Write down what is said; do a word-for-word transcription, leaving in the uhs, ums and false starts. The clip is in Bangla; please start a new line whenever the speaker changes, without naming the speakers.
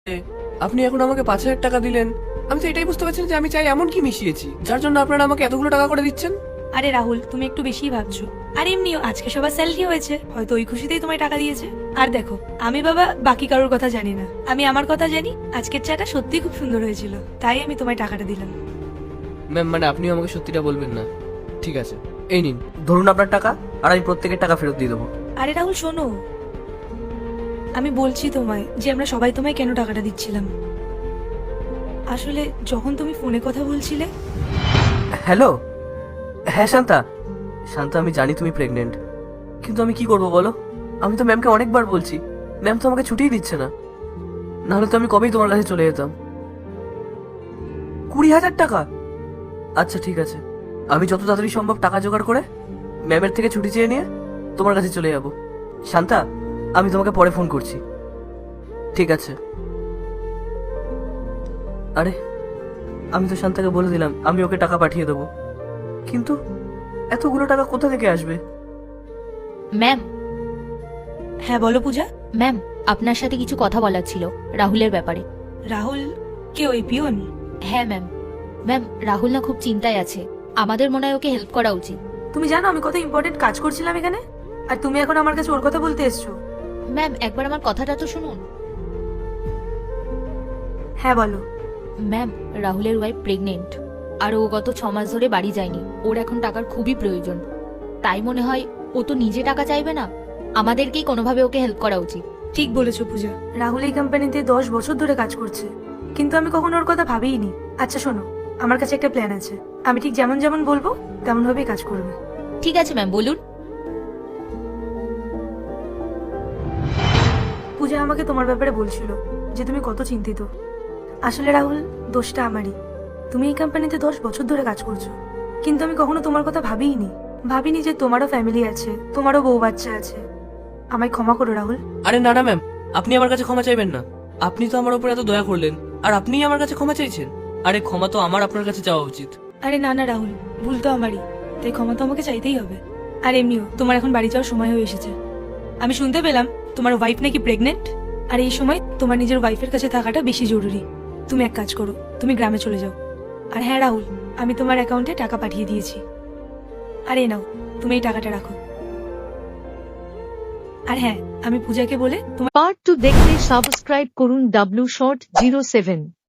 আপনি এখন আমাকে পাঁচ হাজার টাকা দিলেন, আমি তো এটাই বুঝতে পারছি না যে আমি চাই এমন কি মিশিয়েছি যার জন্য আপনারা আমাকে এতগুলো টাকা করে দিচ্ছেন।
আরে রাহুল, তুমি একটু বেশিই ভাবছো। আর এমনিও আজকে সবার স্যালারি হয়েছে, হয়তো ওই খুশিতেই তোমায় টাকা দিয়েছে। আর দেখো, আমি বাবা বাকি কারোর কথা জানি না, আমি আমার কথা জানি। আজকের চাটা সত্যি খুব সুন্দর হয়েছিল, তাই আমি তোমায় টাকাটা দিলাম।
ম্যাম মানে আপনি আমাকে সত্যিটা বলবেন না? ঠিক আছে, এই নিন
ধরুন আপনার টাকা, আর আমি প্রত্যেকের টাকা ফেরত দিয়ে দেবো।
আরে রাহুল শোনো, আমি বলছি তোমায় যে আমরা সবাই তোমায় কেন টাকাটা দিচ্ছিলাম। আসলে যখন তুমি ফোনে কথা বলছিলে।
হ্যালো, হ্যাঁ শান্তা। শান্তা, আমি জানি তুমি প্রেগনেন্ট, কিন্তু আমি কি করবো বলো? আমি তো ম্যামকে অনেকবার বলছি, ম্যাম তো আমাকে ছুটিই দিচ্ছে না। নাহলে তো আমি কবেই তোমার কাছে চলে যেতাম। কুড়ি হাজার টাকা? আচ্ছা ঠিক আছে, আমি যত তাড়াতাড়ি সম্ভব টাকা জোগাড় করে ম্যামের থেকে ছুটি চেয়ে নিয়ে তোমার কাছে চলে যাব। শান্তা, আমি তোমাকে পরে ফোন করছি। ঠিক আছে। আরে, আমি তো শান্তাকে বলে দিলাম আমি ওকে টাকা পাঠিয়ে দেবো, কিন্তু এতগুলো টাকা কোথা থেকে আসবে?
ম্যাম,
হ্যাঁ বলো পূজা।
ম্যাম আপনার সাথে কিছু কথা বলার ছিল রাহুলের ব্যাপারে।
রাহুল কে, ওই পিয়ন?
হ্যাঁ ম্যাম। ম্যাম, রাহুল না খুব চিন্তায় আছে, আমাদের মনে হয় ওকে হেল্প করা উচিত।
তুমি জানো আমি কত ইম্পর্টেন্ট কাজ করছিলাম এখানে, আর তুমি এখন আমার কাছে ওর কথা বলতে এসছো?
ম্যাম একবার আমার কথাটা তো শুনুন।
হ্যাঁ বলো।
ম্যাম, রাহুলের ওয়াইফ প্রেগনেন্ট, আর ও গত ছ মাস ধরে বাড়ি যায়নি। ওর এখন টাকার খুবই প্রয়োজন, তাই মনে হয় ও তো নিজে টাকা চাইবে না, আমাদেরকেই কোনোভাবে ওকে হেল্প করা উচিত।
ঠিক বলেছো পূজা, রাহুল এই কোম্পানিতে দশ বছর ধরে কাজ করছে, কিন্তু আমি কখনো ওর কথা ভাবিনি। আচ্ছা শোনো, আমার কাছে একটা প্ল্যান আছে, আমি ঠিক যেমন যেমন বলবো তেমন ভাবেই কাজ করবে।
ঠিক আছে ম্যাম, বলুন।
পূজা আমাকে তোমার ব্যাপারে বলছিল যে তুমি কত চিন্তিত। আসলে রাহুল, দোষটা আমারই। তুমি এই কোম্পানিতে দশ বছর ধরে কাজ করছো, কিন্তু আমি কখনো তোমার কথা ভাবিনি। ভাবিনি যে তোমারও ফ্যামিলি আছে, তোমারও বউ বাচ্চা আছে। আমায় ক্ষমা করো রাহুল।
আরে না না ম্যাম, আপনি আমার কাছে ক্ষমা চাইবেন না। আপনি তো আমার উপর এত দয়া করলেন, আর আপনিই আমার কাছে ক্ষমা চাইছেন। আরে ক্ষমা তো আমার আপনার কাছে চাওয়া উচিত।
আরে না না রাহুল, ভুল তো আমারই, তাই ক্ষমা তো আমাকে চাইতেই হবে। আর এমনিও তোমার এখন বাড়ি যাওয়ার সময় হয়ে এসেছে। আমি শুনতে পেলাম তোমার ওয়াইফ নাকি প্রেগনেন্ট, আর এই সময় তোমার নিজের ওয়াইফের কাছে থাকাটা বেশি জরুরি। তুমি এক কাজ করো, তুমি গ্রামে চলে যাও। আর হ্যাঁ রাহুল, আমি তোমার অ্যাকাউন্টে টাকা পাঠিয়ে দিয়েছি। আর এই নাও, তুমি এই টাকাটা রাখো। আর হ্যাঁ, আমি পূজাকে বলে তোমার
পার্ট টু দেখতে সাবস্ক্রাইব করুন ডাব্লিউ শর্ট জিরো সেভেন।